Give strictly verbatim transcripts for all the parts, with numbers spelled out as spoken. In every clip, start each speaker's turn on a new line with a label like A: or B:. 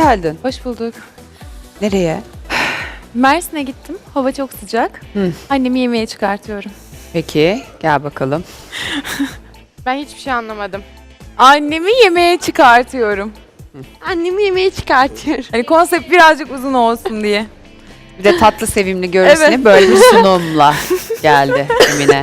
A: geldin.
B: Hoş bulduk.
A: Nereye?
B: Mersin'e gittim. Hava çok sıcak.
A: Hı.
B: Annemi yemeğe çıkartıyorum.
A: Peki, gel bakalım.
C: Ben hiçbir şey anlamadım.
B: Annemi yemeğe çıkartıyorum.
C: Annemi yemeğe çıkartıyor.
B: Hani konsept birazcık uzun olsun diye.
A: Bir de tatlı sevimli görürsün
B: Evet.
A: böyle bir sunumla geldi Emine.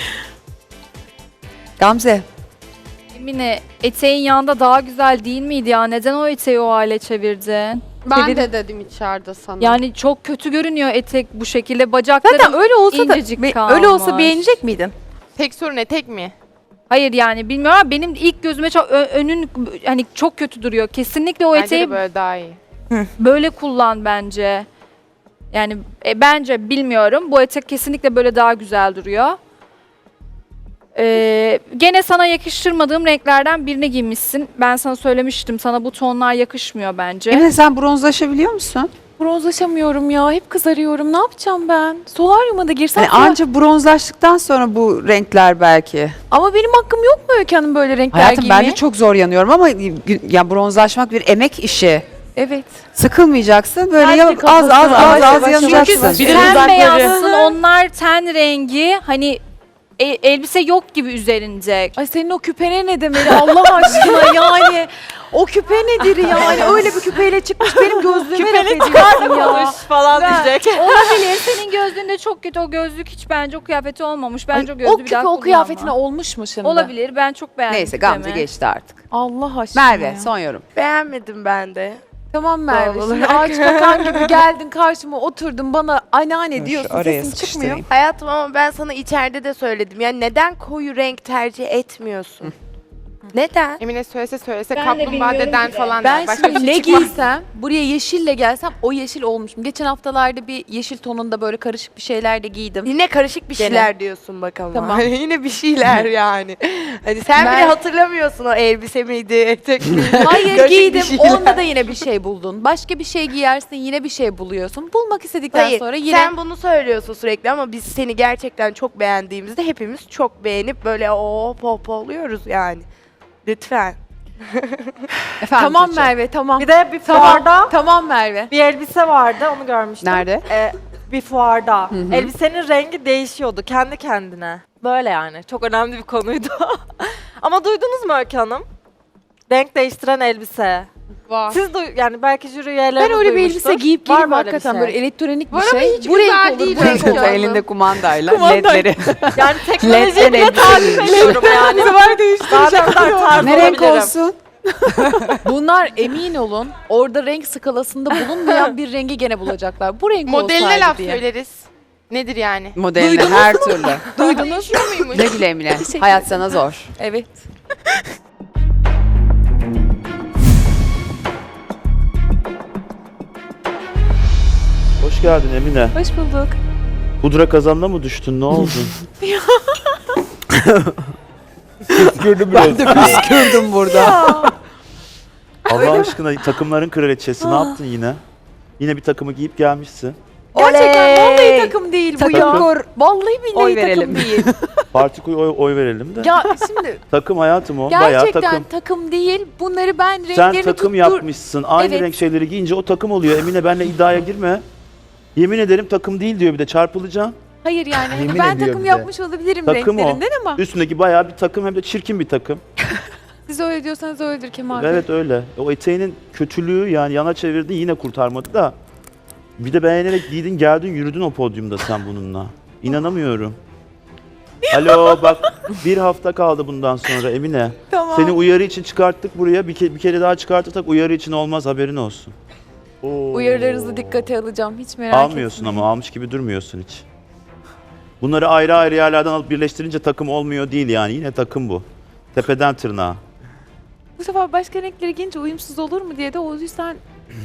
A: Gamze,
D: Emine, eteğin yanında daha güzel değil miydi ya? Neden o eteği o hale çevirdin?
C: Ben
D: Çevir-
C: de dedim içeride sana.
D: Yani çok kötü görünüyor etek bu şekilde. Bacakları
B: Zaten öyle olsa da
D: incecik
B: be-
D: kalmış.
B: öyle olsa beğenecek miydin?
C: tek sorun etek mi?
D: Hayır yani bilmiyorum ama benim ilk gözüme çok ö- önün hani çok kötü duruyor. Kesinlikle o
C: Bence
D: eteği
C: de böyle daha iyi.
D: böyle kullan bence. Yani e, bence bilmiyorum. Bu etek kesinlikle böyle daha güzel duruyor. Ee, gene sana yakıştırmadığım renklerden birini giymişsin. Ben sana söylemiştim. Sana bu tonlar yakışmıyor bence.
A: Emine sen bronzlaşabiliyor musun?
B: Bronzlaşamıyorum ya. Hep kızarıyorum. Ne yapacağım ben? Solaryuma da girsem.
A: Hani anca bronzlaştıktan sonra bu renkler belki.
B: Ama benim hakkım yok mu Öykü Hanım böyle renkler
A: Hayatım
B: giymeye?
A: ben de çok zor yanıyorum ama ya bronzlaşmak bir emek işi.
B: Evet.
A: Sıkılmayacaksın böyle
B: Kendi
A: ya, az az
B: kafasına
A: az
B: yavaş
A: az
B: yavaş
A: yanacaksın.
B: yavaş
D: Çünkü
B: Bir de
D: sen
B: dudakları.
D: beyazsın, onlar ten rengi. Hani e- elbise yok gibi üzerinde.
B: Ay senin o küpene ne demeli Allah aşkına yani. O küpe nedir yani? Öyle bir küpeyle çıkmış benim gözlüğüme laf ediyorsun ya.
E: falan diyecek.
D: Olabilir. Senin gözlüğünde çok kötü o gözlük hiç bence o kıyafeti olmamış. Bence
B: Ay,
D: o gözlüğü
B: o
D: bir
B: küpe
D: daha
B: o
D: kullanma.
B: kıyafetine olmuş mu şimdi?
D: Olabilir. Ben çok beğendim.
A: Neyse Gamze
D: küpemi.
A: geçti artık.
B: Allah aşkına
A: Merve
B: ya.
A: son yorum.
E: Beğenmedim ben de.
B: Tamam Merve.
E: Doğal
B: Şimdi
E: olarak.
B: ağaç kakan gibi geldin karşıma oturdun bana anneanne
A: Dur,
B: diyorsun
A: oraya
B: sesin çıkmıyor.
A: sıkıştırayım.
E: Hayatım ama ben sana içeride de söyledim. Yani neden koyu renk tercih etmiyorsun? Neden?
C: Emine söylese söylese
D: Ben de
C: kaplumbağa
D: bilmiyorum
C: deden
D: bile.
C: falan
B: Ben
C: der. Başka bir
B: şimdi
C: şey
B: ne
C: çıkmaz.
B: giysem buraya yeşille gelsem o yeşil olmuşum. Geçen haftalarda bir yeşil tonunda böyle karışık bir şeyler de giydim.
E: Yine karışık bir
B: Gene.
E: şeyler diyorsun bak ama.
B: Tamam.
E: Hani yine bir şeyler yani. Hani sen
B: Ben-
E: bile hatırlamıyorsun o elbise miydi, etek miydi?
B: Hayır
E: Karışık bir
B: giydim.
E: şeyler.
B: Onda da yine bir şey buldun. Başka bir şey giyersin yine bir şey buluyorsun. Bulmak istedikten
E: Hayır,
B: sonra yine
E: sen bunu söylüyorsun sürekli ama biz seni gerçekten çok beğendiğimizde hepimiz çok beğenip böyle o pop oluyoruz yani. Lütfen.
A: Efendim
B: tamam
A: Tuğçe.
B: Merve tamam.
F: Bir de bir
B: Tamam,
F: fuarda
B: tamam Merve.
F: bir elbise vardı, onu görmüştüm.
A: Nerede?
F: Ee, bir fuarda.
A: hı.
F: Elbisenin rengi değişiyordu kendi kendine. Böyle yani. Çok önemli bir konuydu. Ama duydunuz mu Öykü Hanım? Renk değiştiren elbise.
C: Var.
F: Siz duy yani belki jüri üyeleri
B: Ben öyle bir
F: duymuştur.
B: elbise giyip
F: Var
B: geleyim
F: mı öyle bir
B: hakikaten
F: şey?
B: böyle elektronik bir
C: Var ama
B: şey.
C: hiç
B: Bu renk
C: güzel
B: olur,
C: değil
B: bu renk
C: renk
B: olur.
C: ya.
A: Elinde kumandayla
B: Kumandayla.
A: ledleri.
F: Yani
A: Ledden
F: teknolojiyi bile
A: elbise
F: takip
A: giymiş.
F: ediyorum yani.
B: Bu sefer değiştireceğim.
F: Daha ne kadar tarz
A: Ne renk
F: olabilirim.
A: olsun?
B: Bunlar emin olun orada renk skalasında bulunmayan bir rengi gene bulacaklar. Bu renk
C: Modeline
B: olsaydı
C: laf
B: diye.
C: söyleriz. Nedir yani?
A: Modeline her türlü.
C: Duydunuz? Değişiyor muymuş?
A: Ne güle Emine. Hayat sana zor.
B: Evet.
G: Hoş geldin Emine.
B: Hoş bulduk.
G: Pudra kazanına mı düştün? Ne oldu? Püskürdüm biraz.
A: Ben de püskürdüm burada.
G: Allah aşkına takımların kraliçesi ne yaptın yine? Yine bir takımı giyip gelmişsin.
B: Gerçekten vallahi
A: Oley!
B: takım değil bu
A: Takım
B: ya.
A: kur.
B: Vallahi billahi
A: Oy
B: takım
A: verelim.
B: değil.
G: Parti oy, oy verelim de.
B: Ya şimdi
G: Takım hayatım o. Bayağı
B: gerçekten
G: takım.
B: takım. değil. Bunları ben
G: Sen
B: renklerini
G: takım
B: tuttur.
G: yapmışsın. Aynı
B: Evet.
G: renk şeyleri giyince o takım oluyor. Emine benimle iddiaya girme. Yemin ederim takım değil diyor bir de çarpılacağım.
B: Hayır yani hani
G: Yemin
B: ben
G: ediyor
B: takım
G: bize.
B: yapmış olabilirim
G: Takım o.
B: renklerinden ama
G: Üstündeki bayağı bir takım hem de çirkin bir takım.
B: siz öyle diyorsanız öyledir Kemal Bey.
G: Evet öyle. O eteğinin kötülüğü yani yana çevirdin yine kurtarmadı da. Bir de beğenerek giydin geldin yürüdün o podyumda sen bununla. İnanamıyorum. Alo bak bir hafta kaldı bundan sonra Emine.
B: Tamam.
G: Seni uyarı için çıkarttık buraya. Bir, ke- bir kere daha çıkartırsak uyarı için olmaz haberin olsun. Oo.
B: Uyarılarınızı dikkate alacağım. Hiç merak
G: Almıyorsun
B: etmeyin.
G: ama almış gibi durmuyorsun hiç. Bunları ayrı ayrı yerlerden alıp birleştirince takım olmuyor değil yani. Yine takım bu. Tepeden tırnağa.
B: Bu sefer başka renkleri giyince uyumsuz olur mu diye de o yüzden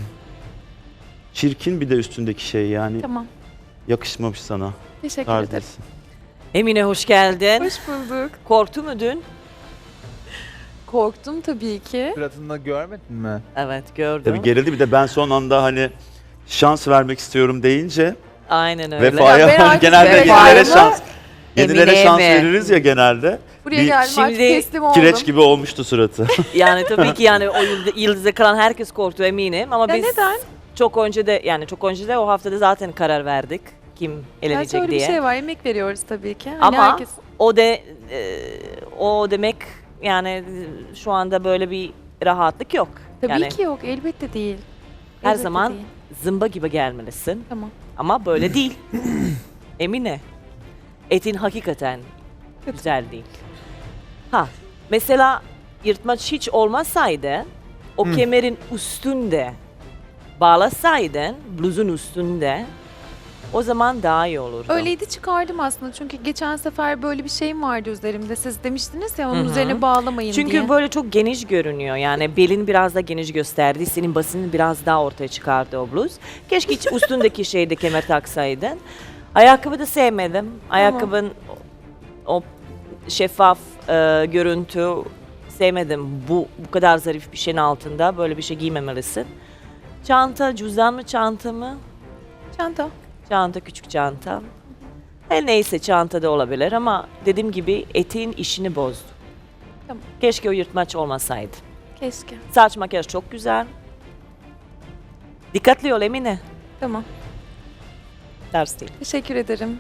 G: Çirkin bir de üstündeki şey yani.
B: tamam.
G: Yakışmamış sana.
B: Teşekkür
G: Tarz
B: ederim.
G: değilsin.
E: Emine hoş geldin.
B: Hoş bulduk.
E: Korktu mu dün?
B: Korktum tabii ki.
H: Suratında görmedin mi?
E: Evet gördüm.
G: Tabii gerildi bir de ben son anda hani şans vermek istiyorum deyince
E: Aynen öyle.
G: vefaya
B: Ya ben
G: hani
B: artık
G: genelde
B: vefaya
G: yenilere
A: mı,
G: şans yenilere
A: Emine'ye
G: şans
A: mi?
G: veririz ya genelde.
B: Buraya
G: Bir-
B: geldim artık
H: Şimdi
B: teslim oldum.
G: Kireç gibi olmuştu suratı.
H: Yani tabii ki yani o yıldız- yıldıza kalan herkes korktu eminim ama
B: Ya
H: biz
B: neden?
H: çok önce de yani çok önce de o haftada zaten karar verdik kim
B: Yani
H: elenecek
B: şöyle
H: diye.
B: bir şey var, emek veriyoruz tabii ki. Hani
H: Ama
B: herkes...
H: o de e, o demek yani e, şu anda böyle bir rahatlık yok.
B: Tabii
H: yani
B: ki yok, elbette değil.
H: her
B: Elbette
H: zaman
B: değil.
H: zımba gibi gelmelisin.
B: Tamam.
H: Ama böyle değil. Emine. Etin hakikaten güzel değil. Ha, mesela yırtmaç hiç olmasaydı o kemerin üstünde bağlasaydın, bluzun üstünde o zaman daha iyi olurdu.
B: Öyleydi, çıkardım aslında çünkü geçen sefer böyle bir şeyim vardı üzerimde. Siz demiştiniz ya onun
H: Hı hı.
B: üzerine bağlamayın
H: Çünkü
B: diye.
H: böyle çok geniş görünüyor. Yani belin biraz da geniş gösterdi. Senin basını biraz daha ortaya çıkardı o bluz. Keşke hiç üstündeki şeyde kemer taksaydın. Ayakkabı da sevmedim. Ayakkabın o şeffaf e, görüntü sevmedim. Bu bu kadar zarif bir şeyin altında böyle bir şey giymemelisin. Çanta, cüzdan mı çanta mı?
B: Çanta.
H: Çanta, küçük çanta. Her neyse çanta da olabilir ama dediğim gibi eteğin işini bozdu.
B: Tamam.
H: Keşke o yırtmaç olmasaydı.
B: Keşke.
H: Saç makyaj çok güzel. Dikkatli ol Emine.
B: Tamam.
H: Ters değil.
B: Teşekkür ederim.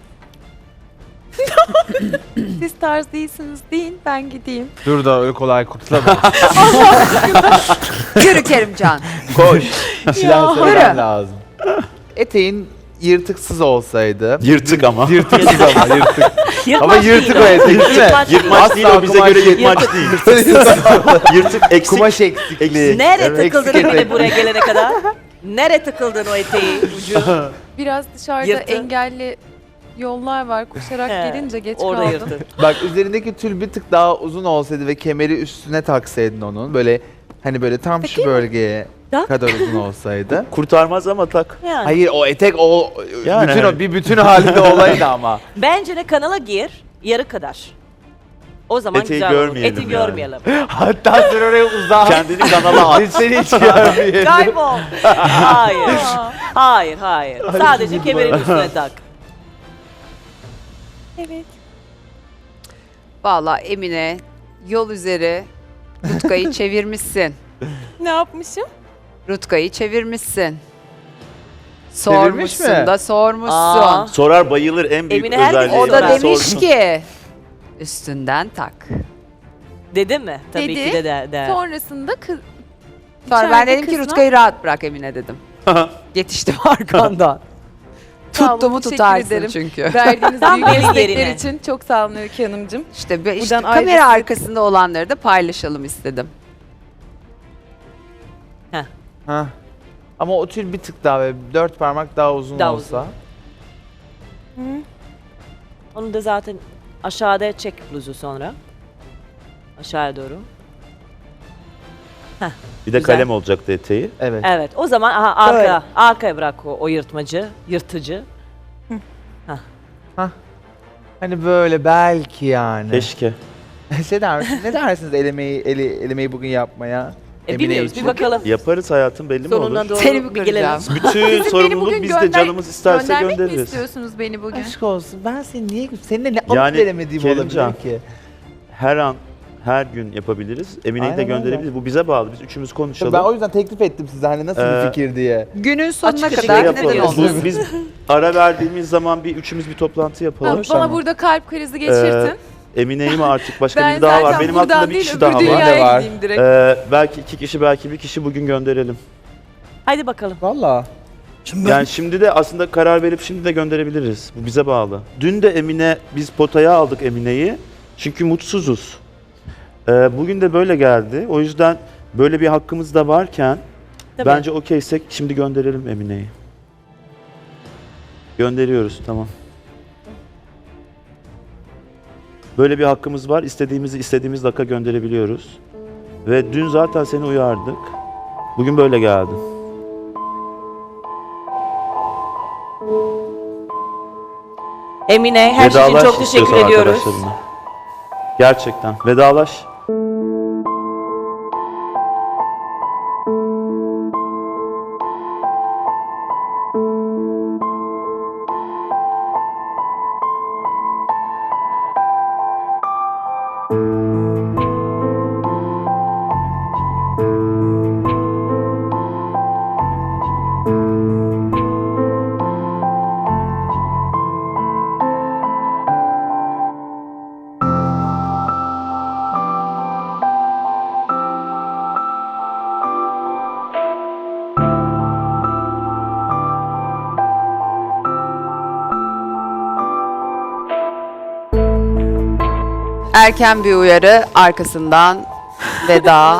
B: Siz tarz değilsiniz deyin, ben gideyim.
I: Dur da öyle kolay kurtulamayız.
A: Yürü Kerimcan.
I: Koş. Bir şeyler
A: Yürü.
I: söylemem lazım. Eteğin yırtıksız olsaydı.
G: Yırtık ama.
I: Yırtıksız ama yırtık. Ama
H: Yırtmaç
I: yırtık
H: değil
I: o etek değil mi?
H: Yırtmaç değil.
G: Yırtmaç değil o, bize
I: kumaş
G: göre
I: değil.
G: yırtmaç değil. Yırtık eksik.
I: Kumaş eksikliği.
H: Nereye
I: Evet,
H: takıldın
I: eksik
H: Emine
I: etek.
H: buraya gelene kadar? Nereye takıldın o eteği ucu?
B: Biraz dışarıda
H: Yırtı.
B: engelli yollar var. Koşarak
H: He,
B: gelince geç
H: Orada
B: kaldım.
H: yırtın.
I: Bak üzerindeki tül bir tık daha uzun olsaydı ve kemeri üstüne taksaydın onun. Böyle hani böyle tam şu bölgeye
H: Tak.
I: kadar uzun olsaydı.
G: Kurtarmaz ama tak.
H: Yani.
I: Hayır o etek o
G: Yani
I: bütün
G: hani.
I: o bir bütün halinde olaydı ama.
H: Bence de kanala gir yarı kadar. O zaman
G: Eteği
H: güzel olur.
G: görmeyelim
H: Eti
G: yani.
H: görmeyelim.
I: Hatta sen oraya uzak.
G: Kendini kanala at.
I: Biz seni hiç görmeyelim.
H: Kaybol. Hayır. Hayır, hayır. Sadece kemerin üstüne tak.
B: Evet.
A: Vallahi Emine yol üzeri Rutkay'ı çevirmişsin.
B: Ne yapmışım?
A: Rutkay'ı çevirmişsin.
I: Çevirmiş
A: Sormuşsun
I: mi?
A: da sormuşsun.
H: Aa.
G: Sorar bayılır, en büyük
H: Emine herkes
G: özelliği.
A: O da
H: Ben
A: demiş
G: sordum.
A: ki üstünden tak.
H: Dedi mi? Tabii
B: Dedi.
H: ki de de. de.
B: Sonrasında kız...
A: Sonra ben
B: İçeride
A: dedim ki
B: kızlar-
A: Rutkay'ı rahat bırak Emine dedim. Yetiştim arkandan.
B: Sağ olun,
A: Tuttuğumu
B: teşekkür
A: tutarsın
B: ederim.
A: çünkü.
B: Verdiğiniz
H: Tam
B: büyük
H: benim
B: destekler
H: yerine.
B: için çok sağ olun Öykü Hanımcığım.
A: İşte, be- işte
B: Buradan
A: kamera
B: ayrıca-
A: arkasında olanları da paylaşalım istedim.
I: Ha. Ama o tül bir tık daha ve dört parmak daha uzun
H: Daha
I: olsa.
H: Onu da zaten aşağıda çek bluzu sonra. Aşağıya doğru.
G: Bir de
H: Güzel.
G: kalem olacaktı eteği.
I: Evet.
H: Evet. O zaman aha, arka,
I: Böyle.
H: arkaya bırak o, o yırtmacı, yırtıcı.
I: Hani böyle belki yani.
G: Keşke.
I: ne, der, ne dersiniz elemeyi eli, elemeyi bugün yapmaya?
H: E,
I: Emine
H: biliyoruz.
I: için.
H: Bir bakalım.
G: Yaparız hayatım, belli mi
H: Sonuna
G: olur?
H: doğru
A: Seni mi
H: bir gelelim.
A: kıracağım?
G: Bütün
B: Siz beni
G: sorumluluk
B: bugün
G: bizde,
B: gönder-
G: canımız isterse
B: Göndermek mi
G: göndeririz.
B: istiyorsunuz beni bugün?
I: Aşk olsun ben seni niye seninle ne alıp
G: Yani
I: veremediğim
G: Kerimcan,
I: olabilir ki?
G: Her an, her gün yapabiliriz. Emine'yi de
I: Aynen öyle.
G: gönderebiliriz. Bu bize bağlı. Biz üçümüz konuşalım.
I: Ben o yüzden teklif ettim size hani nasıl
G: Ee,
I: bir fikir diye.
A: Günün sonuna
H: Açık
A: kadar
H: açık
A: neden
H: yapalım.
A: olmasın?
G: Bu- biz ara verdiğimiz zaman bir üçümüz bir toplantı
B: Ha,
G: yapalım.
B: bana burada kalp krizi geçirtin.
G: Emine'yi mi artık başka
B: ben
G: biri daha
B: zaten
G: var. Benim
B: buradan
G: aklımda bir
B: değil
G: kişi
B: öbür
G: daha var.
I: Benim de
B: dünyaya
I: var.
B: gideyim direkt.
G: Ee, belki iki kişi, belki bir kişi bugün gönderelim.
H: Haydi bakalım.
I: Valla.
G: Yani şimdi de aslında karar verip şimdi de gönderebiliriz. Bu bize bağlı. Dün de Emine, biz potaya aldık Emine'yi. Çünkü mutsuzuz. Ee, bugün de böyle geldi. O yüzden böyle bir hakkımız da varken
H: Tabii.
G: bence okeysek şimdi gönderelim Emine'yi. Gönderiyoruz, tamam. Böyle bir hakkımız var. İstediğimizi istediğimiz dakika gönderebiliyoruz. Ve dün zaten seni uyardık. Bugün böyle geldi.
H: Emine her şey için
G: Vedalaş
H: çok teşekkür
G: istiyorsan
H: ediyoruz.
G: arkadaşlarına. Gerçekten. Vedalaş.
A: erken bir uyarı, arkasından veda.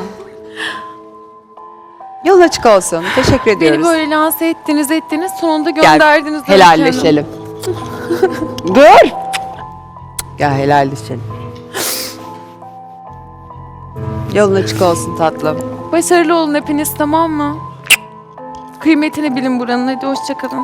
A: Yolun açık olsun. Teşekkür ediyoruz.
B: Beni böyle lanse ettiniz ettiniz sonunda
A: Gel,
B: gönderdiniz. Öykü Hanım.
A: helalleşelim. Dur. Gel helalleşelim. Yolun açık olsun tatlım.
B: Başarılı olun hepiniz, tamam mı? Kıymetini bilin buranın. Hadi hoşçakalın.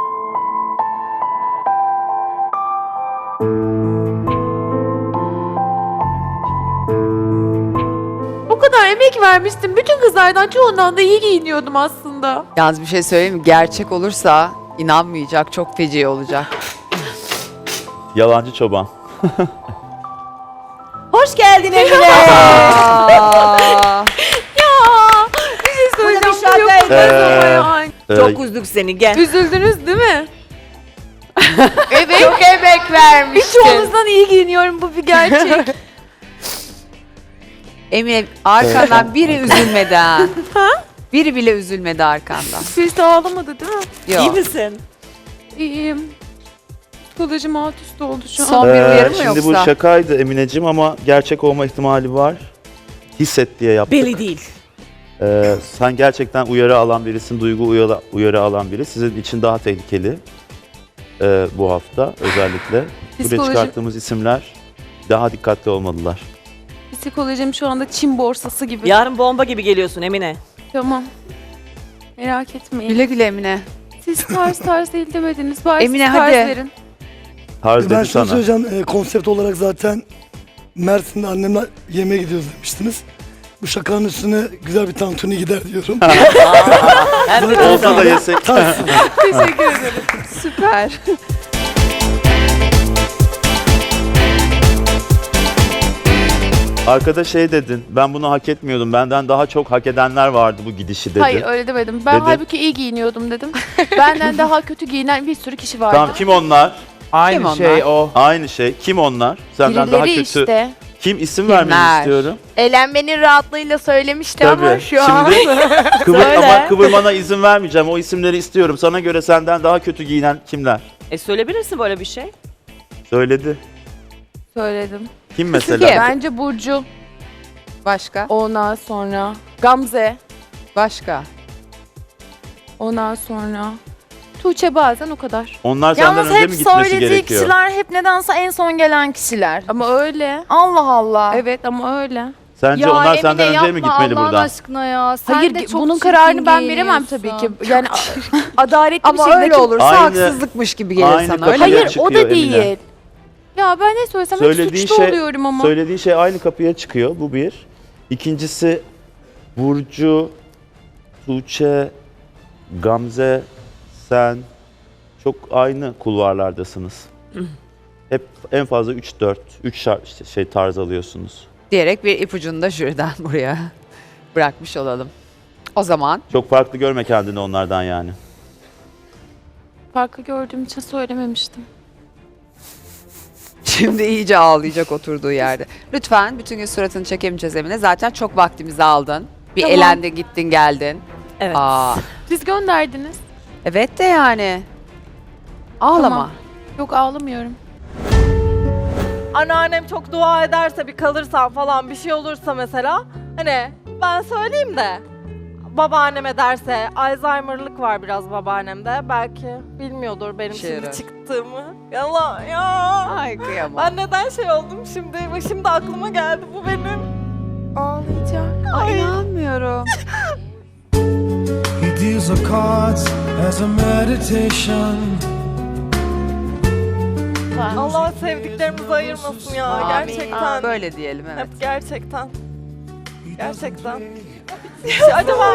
B: O kadar emek vermiştim. Bütün kızlardan çoğundan da iyi giyiniyordum aslında.
A: Yalnız bir şey söyleyeyim mi? Gerçek olursa inanmayacak, çok feci olacak.
G: Yalancı çoban.
H: Hoş geldin Emine.
A: Aa,
B: Bir şey söyleyeceğim.
H: Bu da bir
B: bu yok
H: şaka.
B: olmaz ama
G: Ee,
B: yani.
G: Ee,
H: Çok üzdük seni gel.
B: Üzüldünüz değil mi?
C: Evet. Çok emek vermiştin.
B: Çoğunuzdan iyi giyiniyorum, bu bir gerçek.
A: Emine arkandan biri üzülmedi ha. Biri bile üzülmedi arkandan.
B: Birisi ağlamadı değil mi?
A: Yok.
H: İyi misin?
B: İyiyim. Psikolojim alt üst oldu şu an.
A: Son bir
G: Ee,
A: uyarı mı
G: şimdi
A: yoksa?
G: bu şakaydı Emineciğim ama gerçek olma ihtimali var. Hisset diye yaptık.
H: Belli değil.
G: Ee, sen gerçekten uyarı alan birisin, duygu uyarı, uyarı alan biri. Sizin için daha tehlikeli ee, bu hafta özellikle. Buraya
B: Psikolojim-
G: çıkarttığımız isimler daha dikkatli olmalılar.
B: Psikolojim şu anda Çin borsası gibi.
H: Yarın bomba gibi geliyorsun Emine.
B: Tamam. Merak etmeyin.
A: Güle güle Emine.
B: Siz tarz tarz değil demediniz. Bari
A: Emine,
B: siz tarz
A: hadi.
B: verin.
G: Tarz
J: Ben
G: dedi
J: şunu
G: sana.
J: söyleyeceğim, e, konsept olarak zaten Mersin'de annemle yemeğe gidiyoruz demiştiniz. Bu şakanın üstüne güzel bir tantuni gider diyorum.
H: Hem de
G: Olsa da yesek.
J: Ters.
B: Teşekkür ederim.
A: Süper.
G: Arkada şey dedin, ben bunu hak etmiyordum. Benden daha çok hak edenler vardı bu gidişi dedin.
B: Hayır öyle demedim. Ben
G: Dedim.
B: halbuki iyi giyiniyordum dedim. Benden daha kötü giyinen bir sürü kişi vardı.
G: Tamam, kim onlar?
I: Aynı
A: Kim
I: şey
A: onlar?
I: o.
G: Aynı şey. Kim onlar? Senden daha
B: Birileri
G: kötü.
B: işte.
G: Kim isim
A: Kimler?
G: vermeni istiyorum.
E: Eğlenmenin rahatlığıyla söylemişti
G: Tabii.
E: ama şu an.
G: Şimdi kıvır,
H: Söyle.
G: ama kıvırmana izin vermeyeceğim. O isimleri istiyorum. Sana göre senden daha kötü giyinen kimler?
H: E söyleyebilirsin böyle bir şey.
G: Söyledi.
B: Söyledim.
G: Kim mesela?
A: Kim?
B: Bence Burcu.
A: Başka?
B: Ondan sonra Gamze.
A: Başka?
B: Ondan sonra Tuğçe, bazen o kadar.
G: Onlar senden
K: Yalnız
G: önce
K: hep
G: mi gitmesi
K: söylediği
G: gerekiyor?
K: kişiler hep nedense en son gelen kişiler.
B: Ama öyle.
K: Allah Allah.
B: Evet ama öyle.
G: Sence onlar senden önce mi gitmeli
D: Allah'ın
G: buradan?
D: aşkına ya. Sen
B: Hayır
D: de
B: ge-
D: çok
B: bunun
D: çirkin
B: kararını ben veremem
D: giyiniyorsun.
B: tabii ki. Yani a- adaletli bir
A: Ama
B: şekilde.
A: öyle olursa
G: Aynı-
A: haksızlıkmış gibi gelir
G: aynı
A: sana.
G: kapıya
A: Öyle mi?
B: Hayır
G: çıkıyor
B: o da
G: Emine.
B: değil. Ya ben ne söylesem hep
G: Söylediğin
B: suçlu
G: şey-
B: oluyorum ama.
G: Söylediğin şey aynı kapıya çıkıyor. Bu bir. İkincisi Burcu, Tuğçe, Gamze, sen çok aynı kulvarlardasınız. Hep en fazla üç dört, üç şey tarz alıyorsunuz.
A: Diyerek bir ipucunu da jüriden buraya bırakmış olalım. O zaman
G: Çok farklı görme kendini onlardan yani.
B: Farkı gördüğüm için söylememiştim.
A: şimdi iyice ağlayacak oturduğu yerde. Lütfen bütün gün suratını çekemeyeceğiz Emine. Zaten çok vaktimizi aldın. Bir
B: Tamam.
A: elendin, gittin, geldin.
H: Evet.
A: Aa,
B: Siz gönderdiniz.
A: evet de yani. Ağlama.
B: Tamam. Yok ağlamıyorum.
F: Anneannem çok dua ederse bir kalırsam falan bir şey olursa mesela hani ben söyleyeyim de babaanneme derse Alzheimer'lık var biraz babaannemde belki bilmiyordur benim
A: İşe
F: şimdi
A: yarar.
F: çıktığımı. Yalan ya.
A: Ay kıyamam.
F: Ben neden şey oldum şimdi? Bak şimdi aklıma geldi bu benim.
B: Ağlayacağım.
A: Ay, inanmıyorum.
L: He deals the cards as a meditation.
F: Allah sevdiklerimizi ayırmasın ya
A: Amin.
F: gerçekten.
A: Böyle diyelim evet.
F: Hep gerçekten. Gerçekten. Acaba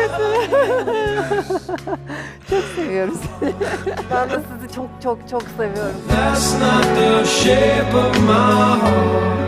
A: Seviyoruz.
F: ben de sizi çok çok çok seviyorum.
L: That's not the shape of my heart.